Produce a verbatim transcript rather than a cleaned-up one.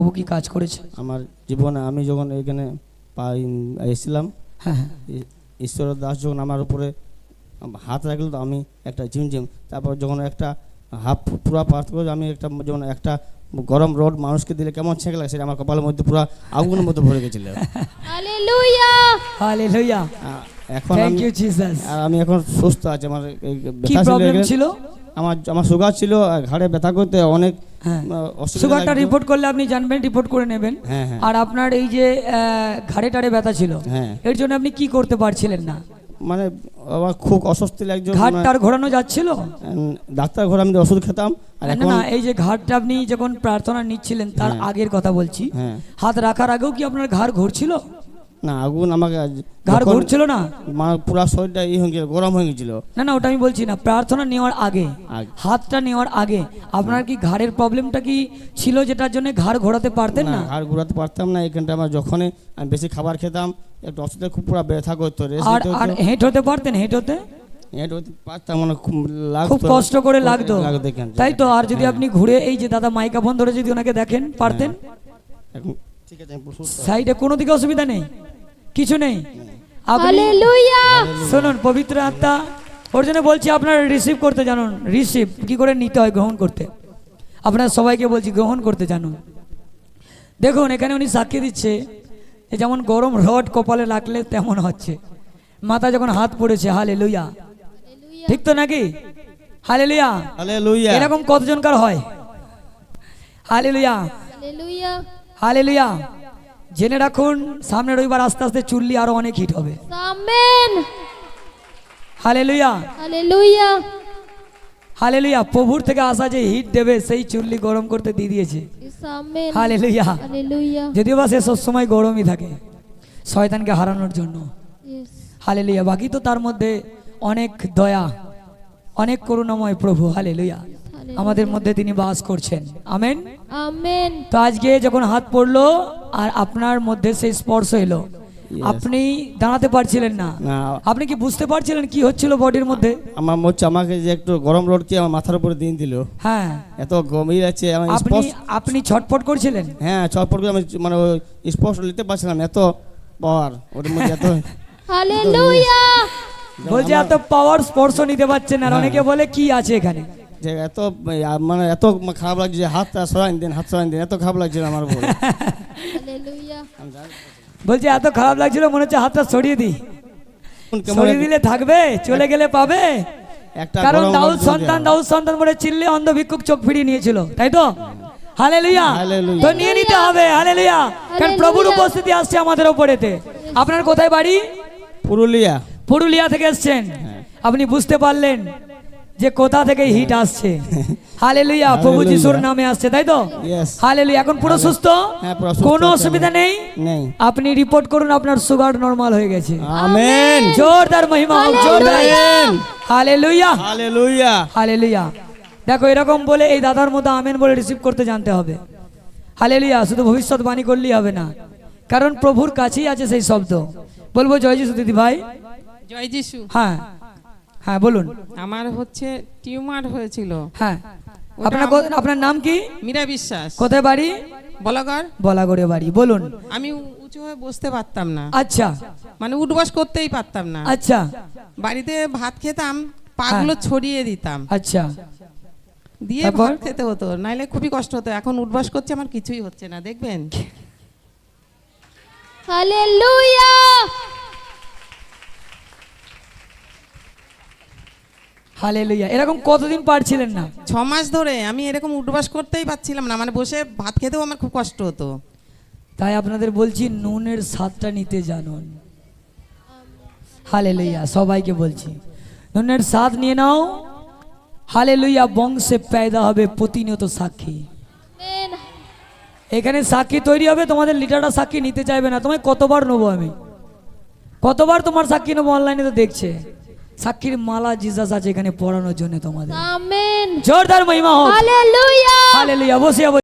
প্রভু কি কাজ করেছে আমার জীবনে। আমি যখন এখানে এসেছিলাম, হ্যাঁ হ্যাঁ ঈশ্বর দাস যখন আমার উপরে হাত রাখলো তো আমি একটা ঝিমঝিম, তারপর যখন একটা হাফ পুরা পার্থ করে আমি একটা যেমন একটা গরম রড মানুষকে দিলে কেমন ছেঁক লাগে সেটা আমার কপালের মধ্যে পুরো আগুনের মধ্যে ভরে গেছিল। হালেলুয়া হালেলুয়া এখন থ্যাংক ইউ জিসাস। আর আমি এখন সুস্থ আছি। আমার কি প্রবলেম ছিল? আমার আমার সুগার ছিল, ঘাড়ে ব্যথা করতে অনেক হ্যাঁ অসুবিধা। সুগারটা রিপোর্ট করলে আপনি জানবেন, রিপোর্ট করে নেবেন। হ্যাঁ হ্যাঁ। আর আপনার এই যে ঘাড়ে টাড়ে ব্যথা ছিল, হ্যাঁ এর জন্য আপনি কি করতে পারছিলেন না? মানে আমার খুব অস্বস্তি লাগছে। ঘাড়টার ঘোরানো যাচ্ছিল? ডাক্তার ঘরে আমি ওষুধ খেতাম। আর না এখন না, এই যে ঘাড়টা আপনি যখন প্রার্থনা নিচ্ছিলেন তার আগের কথা বলছি, হ্যাঁ হাত রাখার আগেও কি আপনার ঘাড় ঘুরছিল? না, আগুন আমাকে ঘাড় ঘুরছিল না, মানে পুরো শরীরটা ই হয়ে গেল, গরম হয়ে গেছিল। না না ওটা আমি বলছি না, প্রার্থনা নেওয়ার আগে, আগে। হাতটা নেওয়ার আগে আপনার কি ঘাড়ের প্রবলেমটা কি ছিল যেটার জন্য ঘাড় ঘোরাতে পারতেন না? ঘাড় ঘোরাতে পারতাম না। এখানটা আমার যখনই আমি বেশি খাবার খেতাম একটু অসুবিধা, খুব পুরো ব্যথা করতো। আর আর হেঁট হতে পারতেন? হেঁট হতে হেঁট হতে পারতাম, মানে খুব লাগতো, খুব কষ্ট করে লাগতো, এখানটা। তাই তো? আর যদি আপনি ঘুরে এই যে দাদা মাইক্রোফোন ধরে যদি ওনাকে দেখেন পারতেন? এখন ঠিক আছে, আমি সুস্থ। সাইডে কোনো দিকে অসুবিধা নেই, কিছু নেই। আপনি হালেলুয়া শুনুন, পবিত্র আত্মা ওর জন্য বলছি আপনারা রিসিভ করতে জানুন। রিসিভ কি করে নিতে হয়, গ্রহণ করতে। আপনারা সবাইকে বলছি গ্রহণ করতে জানুন। দেখুন এখানে উনি সাক্ষী দিচ্ছে, যেমন গরম রড কপালে লাগলে তেমন হচ্ছে, মাথা যখন হাত পড়েছে। হালেলুয়া, ঠিক তো নাকি? Hallelujah hallelujah. এরকম কতজনকার হয়? Hallelujah hallelujah hallelujah. জেনে রাখুন সামনে রবিবার আস্তে আস্তে চুল্লি আরো অনেক হিট হবে। Amen hallelujah hallelujah hallelujah. প্রভুর থেকে আসা যে হিট দেবে সেই চুল্লি গরম করতে দিয়ে দিয়েছে। Amen hallelujah. হালেলুয়া যদিও বা সে সবসময় গরমই থাকে শয়তানকে হারানোর জন্য। Yes hallelujah. বাকি তো তার মধ্যে অনেক দয়া, অনেক করুণাময় প্রভু। হালেলুয়া। আমাদের মধ্যে তিনি বাস করছেন। আমেন আমেন তো আজকে যখন হাত পড়লো আর আপনার মধ্যে সেই স্পর্শ এলো, আপনি দাঁড়াতে পারছিলেন না, না, আপনি কি বুঝতে পারছিলেন কি হচ্ছিল বডির মধ্যে? আমার হচ্ছে আমাকে যে একটু গরম রড কি আমার মাথার উপরে দিন দিল। হ্যাঁ এত গভীর আছে আমার আপনি স্পর্শ। আপনি ছটফট করছিলেন। হ্যাঁ চটপট করে আমি মানে ওই স্পর্শ নিতে পারছিলাম, এত পাওয়ার ওর মধ্যে, এত হালেলুয়া বলছে এত পাওয়ার স্পর্শ নিতে পারছেন। আর অনেকে বলে কি আছে এখানে, যে এত মানে এত খারাপ লাগছে, হাতটা সরাই দিন, হাত সরাই দিন, এত খারাপ লাগছে আমার উপরে। হালেলুয়া বলছে এত খারাপ লাগছিল মনে হচ্ছে হাতটা সরিয়ে দিই। সরিয়ে দিলে থাকবে, চলে গেলে পাবে। একটা কারণ গরম দাউদ রড সন্তান দিয়ে- দাউদ সন্তান বলে চিল্লে অন্ধ ভিক্ষুক চোখ ফিরিয়ে নিয়েছিল, তাই তো? হালেলুয়া। হালেলুয়া। তো নিয়ে নিতে হবে। হালেলুয়া। কারণ প্রভুর হালেলুয়া। উপস্থিতি আসছে আমাদের উপরেতে। আপনার কোথায় বাড়ি? পুরুলিয়া। পুরুলিয়া থেকে এসেছেন। আপনি বুঝতে পারলেন যে কোথা থেকে হিট আসছে। হালেলুয়া। প্রভু হালেলুয়া। যিশুর নামে আসছে, তাই তো? Yes. হালেলুয়া। এখন পুরো সুস্থ, হ্যাঁ, পুরো সুস্থ কোনো আছি অসুবিধা আমি। নেই। নেই। আপনি রিপোর্ট করুন আপনার সুগার নরমাল হয়ে গেছে। আমেন। জোরদার মহিমা হোক, জোরদার। আমেন। Hallelujah hallelujah. হালেলুয়া। দেখো এরকম বলে এই দাদার মতো আমেন বলে রিসিভ করতে জানতে হবে। হালেলুয়া। শুধু ভবিষ্যৎবাণী করলেই হবে না, কারণ প্রভুর কাছেই আছে সেই শব্দ। বলবো জয় যিশু দিদি ভাই। জয় যিশু। হ্যাঁ হ্যাঁ বলুন। আমার হচ্ছে টিউমার হয়েছিল। হ্যাঁ ওটা আপনার আমার- কো- আপনার নাম কি? মীরা বিশ্বাস। কোথায় বাড়ি? বলাগড়। বলাগড়ে বাড়ি। বলুন। আমি উ- উঁচু হয়ে বসতে পারতাম না, আচ্ছা মানে উঠবাস করতেই পারতাম না। আচ্ছা বাড়িতে ভাত খেতাম, পাগুলো ছড়িয়ে দিতাম, আচ্ছা। দিয়ে তারপর? ভাত খেতে হতো, নাইলে খুবই কষ্ট হতো। এখন উঠবাস করছে, আমার কিছুই হচ্ছে না, দেখবেন। Hallelujah hallelujah. এরকম কতদিন পারছিলেন না? ছ মাস ধরে আমি এরকম উঠবাস করতেই পারছিলাম না, মানে বসে ভাত খেতেও আমার খুব কষ্ট হতো। তাই আপনাদের বলছি নুনের স্বাদটা নিতে জানুন। হালেলুয়া। সবাইকে বলছি নুনের স্বাদ নিয়ে নাও। হালেলুয়া। বংশে পেদা হবে প্রতিনিয়ত সাক্ষী। আমেন এখানে সাক্ষী তৈরি হবে, তোমাদের লিটারটা সাক্ষী নিতে চাইবে না। তোমায় কতবার নেবো আমি, কতবার তোমার সাক্ষী নেবো? অনলাইনে তো দেখছে। সাক্ষীর মালা জিসাস আছে এখানে পড়ানোর জন্য তোমাদের। আমেন জোরদার মহিমা হোক। Hallelujah hallelujah. বসে